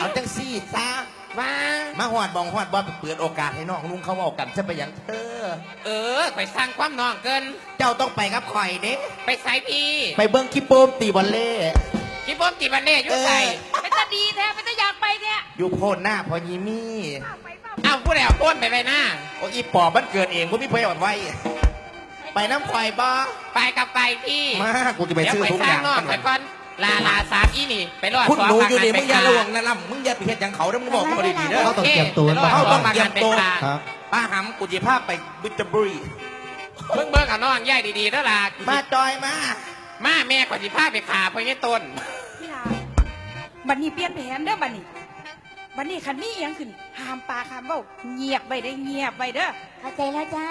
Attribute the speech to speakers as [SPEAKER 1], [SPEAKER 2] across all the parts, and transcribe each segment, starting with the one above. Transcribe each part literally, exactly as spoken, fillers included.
[SPEAKER 1] เอาจังซี่ซะ
[SPEAKER 2] ว่า
[SPEAKER 1] มาหอดบองหอดบอลเปิดโอกาสให้น้องลุงเขาเอากันจะไปอย่างเธอ
[SPEAKER 2] เออไปสร้างความนองเกิน
[SPEAKER 1] เจ้าต้องไปกับข่อยเด้
[SPEAKER 2] ไปใส่พี่
[SPEAKER 1] ไปเบิ้งคิปโปมตีบอลเล่
[SPEAKER 2] คิปโปมตีบอลเล่ยุ่ใส่
[SPEAKER 3] เป็นตาดีแท้เป็นตาอยากไปแท้
[SPEAKER 1] อยู่โพนหน้าพอยีมี่
[SPEAKER 2] เอาผู้ใดเอาโพนไปไปหน้า
[SPEAKER 1] โอ้อีปอบมันเกิดเองกูไม่เพยอดไว้ไปน้ำข่อยบ่
[SPEAKER 2] ไปกับไปพี่
[SPEAKER 1] มากูจะไปซื้อทุกอย่าง
[SPEAKER 2] ไปก่อนลาลาสามอีนี่ไปรอด
[SPEAKER 1] คุณหนูอยู่นี่มึงอย่าระวังนะล่ำมึงอย่าไปเฮ็ดอย่างเขาแล้วมึงบอกกูดีๆเด้อ
[SPEAKER 4] เขาต้องเตรียมตัว
[SPEAKER 1] เขาต้องเตรียมตัว
[SPEAKER 4] ครับ
[SPEAKER 1] ป้าหำกูจะพาไปบุตรบุรี
[SPEAKER 2] เบิ่งเบิ่งกับน้องย่ายดีๆแล้วล่ะ
[SPEAKER 1] มาจอยมา
[SPEAKER 2] มาแม่ก่อนสิพาไปขาไปนี่ต้น
[SPEAKER 3] พี่ลาบัดนี้เปลี่ยนแผนเด้อบัดนี้บัดนี้คันมีเอียงขึ้นห้ามปากห้ามเบ้าเงียบไปได้เงียบไปเด้อ
[SPEAKER 5] เข้าใจแล้วจ้า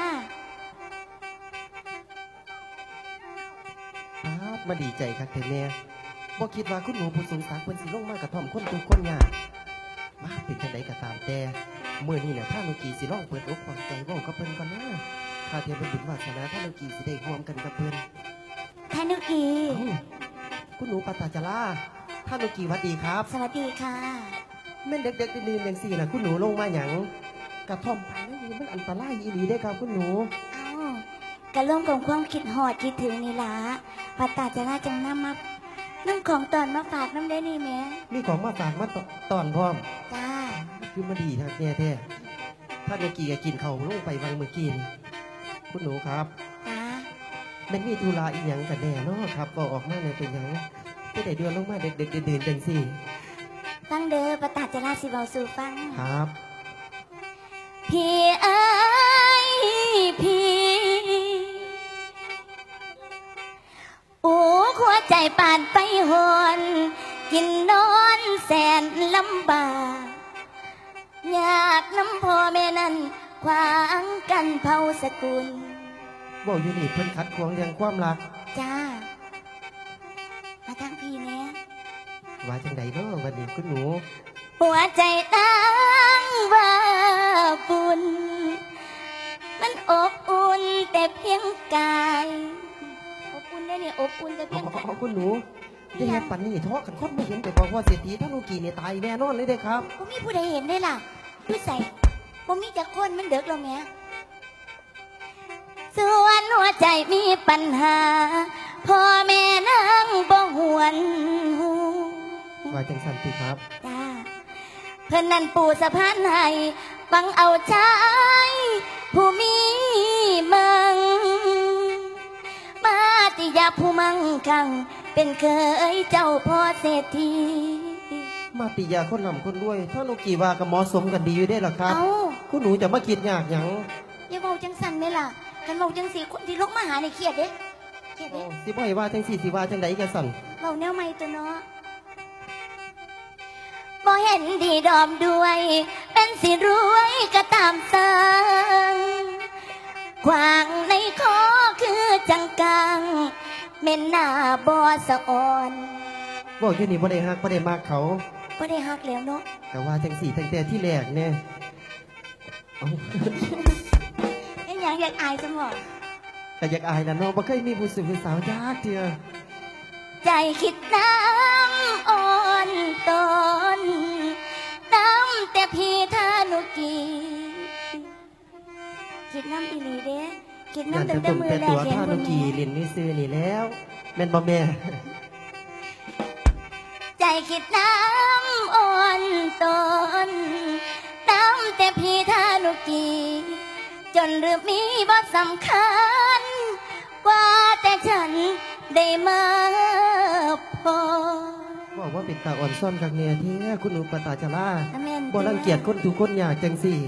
[SPEAKER 4] มาดีใจครับเทเน่บ่คิดว่าคุณหนูผู้สูงศักดิ์เพิ่นสิลงมากระท่อมคนทุกคนยากมาเป็นจังไดก็ตามแต่เมื่อนี้เนี่ยท่านโลกีสิลองเปิดอกเปิดใจเว้ากับเพิ่นก่อนนะข้าเทียมเป็นบุญวาสนาท่านโลกีสิได้ร่วมกันกับเพิ่น
[SPEAKER 5] ท่านโลกี
[SPEAKER 4] คุณหนูปตาจาราท่านโลกีสวัสดีครับ
[SPEAKER 5] สวัสดีค่ะ
[SPEAKER 4] แม่นเด็กๆดื่นๆจังซี่น่ะคุณหนูลงมาหยังกระท่อมป่านี้มันอันตรายอีหลีเด้ครับคุณหนู
[SPEAKER 5] เอ้ากะร่วมกับความคิดฮอดคิดถึงนี่ล่ะปตาจาราจังนำมาน้ำของตอนมาฝากน้ำได้นี่แม่
[SPEAKER 4] มีของมาฝากมาตอนพร้อม
[SPEAKER 5] จ้า
[SPEAKER 4] คือมาดีทักแน่แท้ถ้าเมื่อกี้กินเขาลงไปวังเมื่อกี้นี่คุณหนูครับ
[SPEAKER 5] จ้า
[SPEAKER 4] มันมีธุระอีหยังกันแน่เนาะครับก็ออกมาในเป็นยังที่ได้เดือนลงมาเด็กๆเดินๆจังสิ
[SPEAKER 5] ฟังเด้อปตาจาราสิเบาสู่ฟัง
[SPEAKER 4] ครับ
[SPEAKER 5] พี่เอ้ยพี่โอ้หัวใจปานไปหอนกินนอนแสนลำบากอยากน้ำพ่อแม่นั้นขวางกันเผาสกุล
[SPEAKER 4] บอกอยู่นี่เพิ่นคัดขวางเรื่องความรัก
[SPEAKER 5] จ้ามาทางพี่แน่
[SPEAKER 4] ว่าจังไดเนาะวันนี้คุณหนู
[SPEAKER 5] หัวใจตั้งว่าบุญมันอบอุ่นแต่เพียงกายอบอุ่นได้เนี่ยอบอุ่นแต่เพียงกาย
[SPEAKER 4] คุณหนูจะเห็นปันนี่ท้อกันคนไม่เห็นแต่บอกว่าเศรษฐีท่านโลกีเนี่ยตายแน่นอนเลยเด้ครับ
[SPEAKER 5] ก็มีผู้ใดเห็นได้ล่ะผู้ใส่ก็มีจากคนมันเด็กแล้วแม่ส่วนหัวใจมีปัญหาพ่อแม่นั่งบ่หวนหู
[SPEAKER 4] ว่าจังสันติครับ
[SPEAKER 5] จ้าเพื่อนนั่นปู่สะพานให้ฟังเอาใจผู้มีมังมาติยาผู้มั่งคั่งเป็นเคยเจ้าพ่อเศรษฐี
[SPEAKER 4] มาติยาคนนำคนรวยท่านโลกีว่ากับหมอสมกันดีอยู่ได้หรอครับคุณหนูจะมาคิดยากหยัง
[SPEAKER 5] อย่าบอกจังสันไหมล่ะกันบอกจังสีคนที่ลกมาหาในเครียดเด้
[SPEAKER 4] เครียดเด้สิบ่ให้ว่าจังสีสิว่าจังใดกันสั่น
[SPEAKER 5] เราแนวไม่ตัวเนาะบ่เห็นดีดอมด้วยเป็นสิรวยก็ตามสังขวางในคอคือจังกังเม่นหน้าบอสะอ่อน
[SPEAKER 4] บอกอยู่นี่บ่ได้ฮักบ่ได้มากเขา
[SPEAKER 5] บ่ได้ฮักแล้วเนาะ
[SPEAKER 4] แต่ว่าจังสีตั้งแต่ที่แรกเนี่ย
[SPEAKER 5] ไอ้ยังอยากอายจังหวะ
[SPEAKER 4] แต่อยากอายนะน้องบ่เคยมีผู้สื่อผู้สาวยากเดียว
[SPEAKER 5] ใจคิดน้ำอ่อนตอนน้ำแต่พี่ท่านุกีคิดน้ำอีหลีเด้คิดน้ำตั้งแต่มือแรก
[SPEAKER 4] เห็นคนนี้เรียนนี่ซื้อนี่แล้วแม่นบ่แม่
[SPEAKER 5] ใจคิดน้ำอ่อนตอนน้ำแต่พี่ท่านุกีจนเรื่องมีบ่สำคัญว่าแต่ฉันได้มาพอ
[SPEAKER 4] บอกว่าเป็นตาอ่อนซ่อนกักเนี่ยที่คุณหนูปตาจาราบ่รังเกียจคนทุกคนอยากจังสี่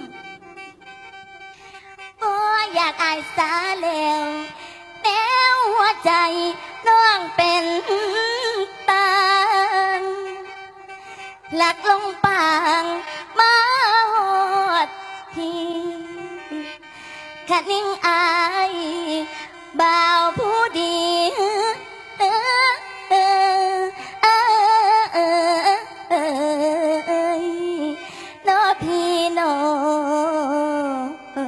[SPEAKER 5] บ่อยากอายสาแล้วแนวหัวใจน้องเป็นตางหลักลงปางมาหอดที่ขัดนิ่งอายบ่าวผู้ดีเออเออเออเออเออน้อพี่น้อง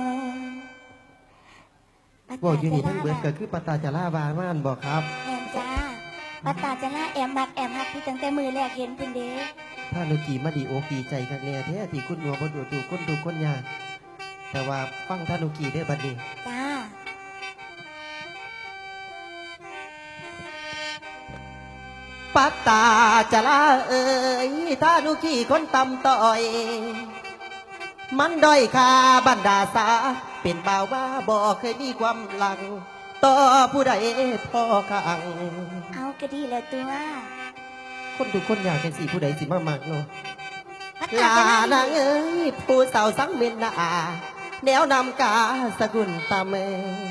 [SPEAKER 4] บอกอยู่นี่ทั้งเบิดก็คือปตาจาราบาม่านบอกครับ
[SPEAKER 5] แอมจ้าปตาจาราแอมมักแอมฮักพี่ตั้งแต่มือแรกเห็นเพิ่นเด้
[SPEAKER 4] ถ้านุกีมาดีโอกดีใจกันแน่แท้ที่คุณหัวบ่ดูดูคนดูคนยากแต่ว่าฟังท่านุกีได้อบัดนี้
[SPEAKER 5] จ้า
[SPEAKER 4] ปัตตาจะลาเอ่ยท่านุกีคนตำต่อย มันด้อยค่าบรรดาสาเป็นบ่าวว่าบ่เคยมีความหลัง ต่อผู้ใดพ่อข้าง
[SPEAKER 5] เอาก็ดีแล้วตัว
[SPEAKER 4] คนทุกคนอยากจังสีผู้ใดสิมามากเนาะ
[SPEAKER 5] พัด
[SPEAKER 4] ลา
[SPEAKER 5] ตาจะ
[SPEAKER 4] นางเอ้ยผู้สาวสังเมนนาแนวนำกาสกุลตาเม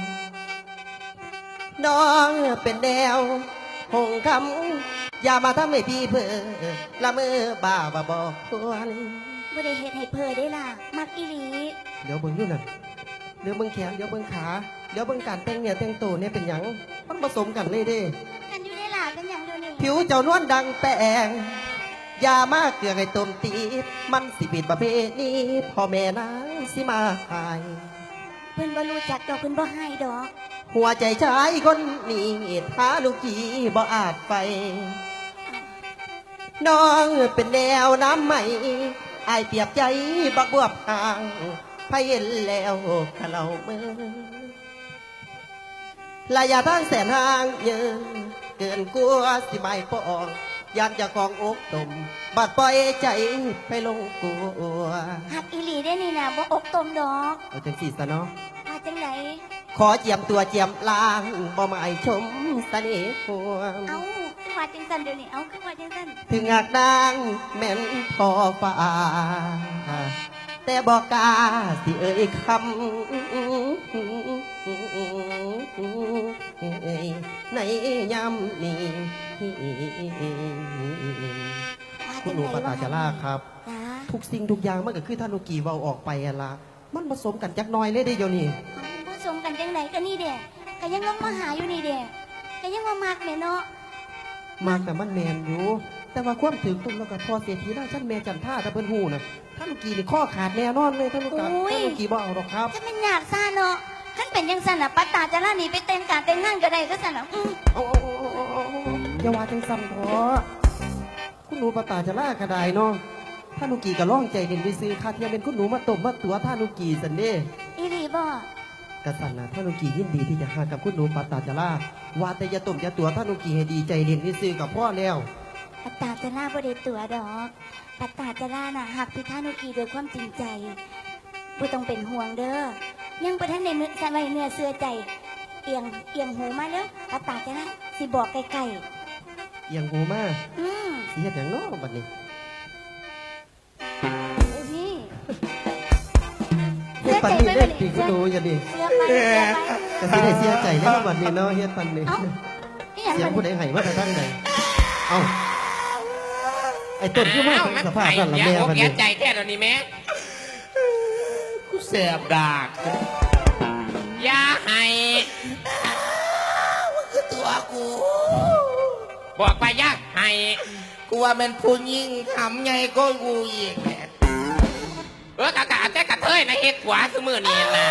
[SPEAKER 4] น้องเป็นแนวหงคำอย่ามาทำให้พี่เพื่อละเมอบ้าบ่บอกควร
[SPEAKER 5] บ่ได้เฮ็ดให้เพอได้ล่ะ มักอีหลี
[SPEAKER 4] เดี๋ยวเบิ่งอยู่นั่นเดี๋ยวเบิ่งแขนเดี๋ยวเบิ่งขาเดี๋ยวเบิ่งการแต่งเนี่ยแต่งตัวเนี่ยเป็นหยังมันผสมกันเลยเด้
[SPEAKER 5] กันอยู่ได้ล่ะเป็นหยังเดี๋ยวนี้
[SPEAKER 4] ผิวเจ้านวลดังแป้งอย่ามาเกลือให้ต้มตีดมันสิบิดประเพณีพ่อแม่นางสิมาหาย
[SPEAKER 5] เพิ่นบ่รู้จักดอกเพิ่นบ่ให้ดอก
[SPEAKER 4] หัวใจชายคนนี้หาลูกกีบ่อาจไป น้องเป็นแนวน้ำใหม่อายเปรียบใจบักบวบห่างพายเห็นแล้วขะเราเมื่อระยะทางแสนห่างเยินเกินกลัวสิไม่ปองอยากจะกองอกตมบัดปล่อยใจไปลงกลัว
[SPEAKER 5] หักอีหลีได้นี่นะบ่อกตมดอก
[SPEAKER 4] เอาจังสีซะเนาะ
[SPEAKER 5] มาจังไหน
[SPEAKER 4] ขอเจียมตัวเจียมลางบ่หมายชมเสน่ห์หัว
[SPEAKER 5] เอาคือว่าจังซั่นเดี๋ยวนี้เอาคือว่าจังซั่น
[SPEAKER 4] ถึงอากนางแม่นพอฟ้า แต่บอกกล้าสิเอ่ยคำในยำนี้
[SPEAKER 5] ว่า
[SPEAKER 4] คุ
[SPEAKER 5] จั
[SPEAKER 4] ณ
[SPEAKER 5] ง
[SPEAKER 4] หนู
[SPEAKER 5] ไหน
[SPEAKER 4] ปตาจาราครับ
[SPEAKER 5] จ้า
[SPEAKER 4] ทุกสิ่งทุกอย่างมันก็คือท่านุกีเว้าออกไปอะละมันผสมกันจักหน้อยเลยได้เดี๋ยวนี้
[SPEAKER 5] เอาผสมกันจังไหนก็นี่เด้ก็ยังลงมาหาอยู่นี่เด้ก็ยังว่ามักแม่เนาะ
[SPEAKER 4] มากแต่มันแมนอยู่ แต่ว่าความถึงตุ้มแล้วก็พอเสียทีได้ชั้นแม่จันท่าถ้าเพิ่นหูนะท่านุกีนี่ข้อขาดแน่นอนเลยท่านุกาท่านุกีบ่เอาหรอกครับ
[SPEAKER 5] ถ้ามันอยากซ่าเนาะคันเป็นจังซั่นน่ะปัตตาจะล่าหนีไปแต่งการแต่งงานก็ได้ก็ซั่นน่ะอือ
[SPEAKER 4] เอาเอาเอาเอาเอาเอาอย่าว่าจังซ้ำพอคุณหนูปตาจะล่ากระไดเนาะท่านุกีก็ร้องใจเด่นไปซื้อคาเทียมเป็นคุณหนูมาตบมาตัวท่านุกีสันเด้
[SPEAKER 5] อีหลีบ่
[SPEAKER 4] กระสันนะท่านุกียินดีที่จะหากับคุณหนูปตาจะล่าว่าแต่อย่าตบอย่าตัวท่านุกีให้ดีใจเด่นไปซื้อกับพ่อแล้ว
[SPEAKER 5] ปัตตาจะล่าบ่ได้ตัวดอก ปัตตาจะล่าน่ะหักพิธานุกีโดยความจริงใจบ่ต้องเป็นห่วงเด้อ ยังบ่ทันได้เนื้อสมัยเนื้อเสื้อใจ เอียงเอียงหูมาเด้อปัตตาจะล่าสิบอกไกล
[SPEAKER 4] เอียงหูมา
[SPEAKER 5] ๆอืม
[SPEAKER 4] สิเฮ็ดหยังเนาะบัดนี้
[SPEAKER 5] นี่
[SPEAKER 4] เฮ็ดปันนี้เล่นปีคุณหนูอย่าดิ
[SPEAKER 5] เสื้อไปเสื้อไป
[SPEAKER 4] ก็สิได้เสียใจแล้วบัดนี้เนาะเฮ็ดปันนี้
[SPEAKER 5] เอ้านี่หยัง
[SPEAKER 4] เสียง
[SPEAKER 5] มัน
[SPEAKER 4] ผู้ใดให้มาแต่ทางใดเอ้าไอ้ต้นคือมาเป็นสภาพนั่นล่ะ
[SPEAKER 2] เสี
[SPEAKER 4] แม่
[SPEAKER 2] ยอก
[SPEAKER 4] บัด
[SPEAKER 2] เสีย
[SPEAKER 4] นี้
[SPEAKER 2] ใจแท้เดี๋ยวนี้แม่
[SPEAKER 1] กูแสบดาก
[SPEAKER 2] อย่าให้
[SPEAKER 1] มันคือตัวกู
[SPEAKER 2] บอกไปอย่าให้
[SPEAKER 1] กูว่ามันผู้ยิ่งทำไงก็กูอีกแหละ
[SPEAKER 2] เออกะกะแต่กะเทยนะเฮ็ดขวาสมือนี่นะ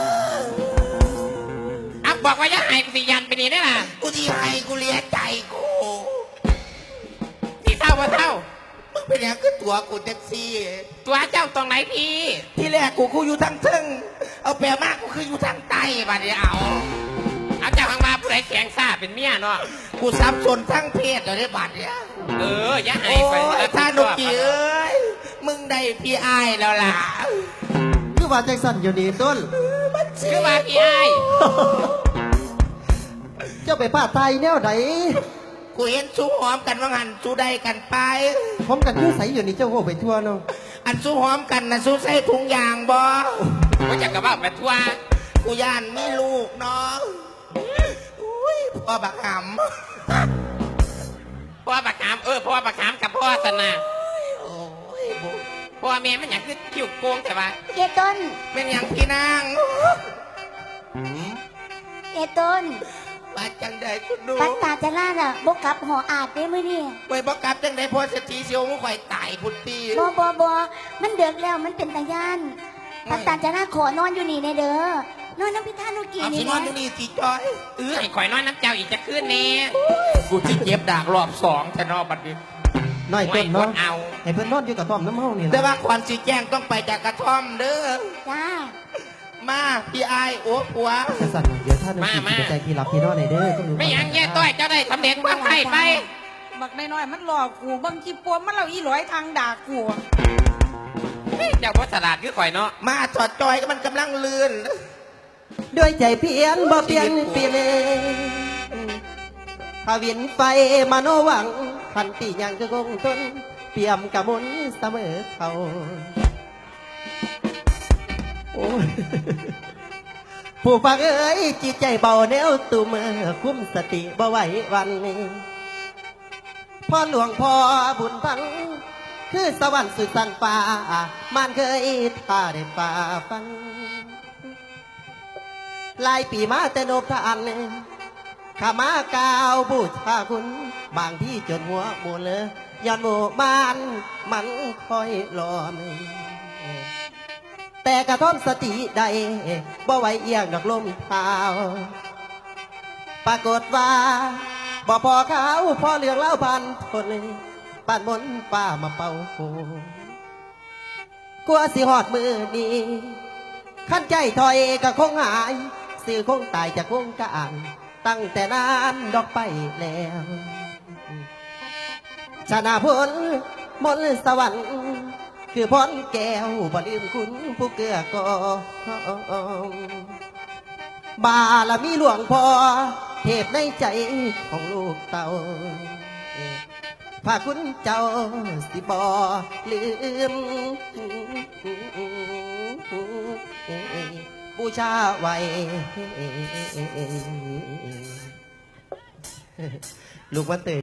[SPEAKER 2] อ่ะบอกว่าอย่าให้กูสิยันไปนี่ได้ล่ะ
[SPEAKER 1] กูที่ให้กูเลียใจกู
[SPEAKER 2] สิเท่าว่าเท่า
[SPEAKER 1] มึงเป็นอย่างคือตัวกูแท็กซี่
[SPEAKER 2] ตัวเจ้าตรงไหนพี่
[SPEAKER 1] ที่แรกกูกูอยู่ทางเทิงเอาแปลมากกูคืออยู่ทางใต้บัดนี้เอา
[SPEAKER 2] เอาเจ้าข้างมาผู้ใดแข็งซ่าเป็นเมียเนาะ
[SPEAKER 1] กูสับสนทั้งเพศเลยบัดเนี่ย
[SPEAKER 2] เอออย่าให้
[SPEAKER 1] โอ้
[SPEAKER 2] ไป
[SPEAKER 1] ยท่านุกีเอ้ยมึงได้พี่อายแล้วล่ะ
[SPEAKER 4] คือว่าจังสั่นอยู่นี่ต้น
[SPEAKER 2] คือว่าพี่ไอ้าย
[SPEAKER 4] เจ้าไปป้าไทยแนวไหน
[SPEAKER 1] กูเห็นสู้หอมกันว่างันสู้ได้กันไป
[SPEAKER 4] ผมกันคือใสอยู่นี่เจ้าโง่ไปทั่วเนาะ
[SPEAKER 1] อันสู้หอมกันนะสู้ใส่ถุงยางบ่
[SPEAKER 2] ว่าจะกระบ้าไปทั่ว
[SPEAKER 1] กูย่านมีลูกเนาะอุ้ยพ่อบักห
[SPEAKER 2] พ่อบักขามเออพ่อบักขามกับพ่อสนะ
[SPEAKER 1] ำโอ้ยบุ
[SPEAKER 2] พ่อแม่มันอยากคือคิ้วโกงแต่ว่า
[SPEAKER 5] เอต้น
[SPEAKER 1] เป็นอย่างพี่นาง
[SPEAKER 5] เอต้น
[SPEAKER 1] มาจังใดคุณดู
[SPEAKER 5] ปัตตาจะล่าน่ะบ่กลับหออาดเด้มื้อนี้
[SPEAKER 1] ไปบอกกลับจังใดพ่อเศรษฐีเสียวมึงข่อยตายพุทธี
[SPEAKER 5] บ่บ่บ่มันเดือกแล้วมันเป็นตาย่านปัตตาจะล่าขอนอนอยู่นี่แน่เด้อนอนน้ำพิธานุกี
[SPEAKER 1] เอา
[SPEAKER 5] นี่
[SPEAKER 1] สินอน
[SPEAKER 5] นะ
[SPEAKER 1] อยู่นี่สิจอย
[SPEAKER 2] เออไอ้ข่อยน้อยน้ำเจ้าอีกจะขึ้นนี่
[SPEAKER 1] กูที่เจ็บดากรอบสองจะนอนบัดนี้
[SPEAKER 4] น้อย
[SPEAKER 2] ไม่
[SPEAKER 4] ต้น
[SPEAKER 2] ก
[SPEAKER 4] เนาะ
[SPEAKER 2] ดเอา
[SPEAKER 4] ให้เพิ่นนอนอยู่กับท่อมน้ำเฮานี่
[SPEAKER 1] แต่
[SPEAKER 4] ล่ะ
[SPEAKER 1] ว่าควันสีแจ้งต้องไปจากกระท่อมเด้อ
[SPEAKER 5] จ้า
[SPEAKER 1] มาพี่อายโอ้ผัว
[SPEAKER 4] จังซั่นน่ะเดี๋ยวถ้าน้องกีสิไปใจพี่รับพี่นอนให้เด้อคุณหนู
[SPEAKER 2] ไม่หยังแย่ต้อยเจ้าได้สำเร็จความไข่ไป
[SPEAKER 3] บักน้อยๆมันหลอกกูบางทีปวมมันเราอีหลอยทางด่ากู
[SPEAKER 2] เจ้าพ่อสลัดคือข่อยเนาะ
[SPEAKER 1] มาถอดจอยก็มันกำลังลื่น
[SPEAKER 4] ด้วยใจเพียนบ่เปลี่ยนเปลี่ยนถ้าเวียนไฟมาโนหวังพันปียังก็คงทนเปี่ยมกะมุนเสมอเขาโอ้ยผู้ฟังเอ้ยจิตใจเบาแนวตูมือคุ้มสติบ่ไหววันนี้พ่อหลวงพ่อบุญพัง คือสวรรค์สุดสันฟ้ามันเคยท่าได้ฝ่าฟันหลายปีมาแต่โนบทานข้ามากาวบูชาคุณ บางที่จนหัวหมูเลยย้อนหมู่บ้านมันคอยรอไม่แต่กระท่อมสติใดบ่ไหวเอียงดอกลมเท้าปรากฏว่าบ่พอเขาพอเรื่องเล่าพันคนปานมนป้ามาเป่าหูกลัวสิหอดมือนี้ขั้นใจถอยก็คงหายสื่อคงตายจากวงการตั้งแต่นานดอกไปแล้วชนะพลมนต์สวรรค์คือพรแก้วบ่ลืมคุณผู้เกื้อกองบารมีหลวงพ่อเทพในใจของลูกเต่าพาคุณเจ้าสิบอลืมบูชาไว้ ลูกวันเตย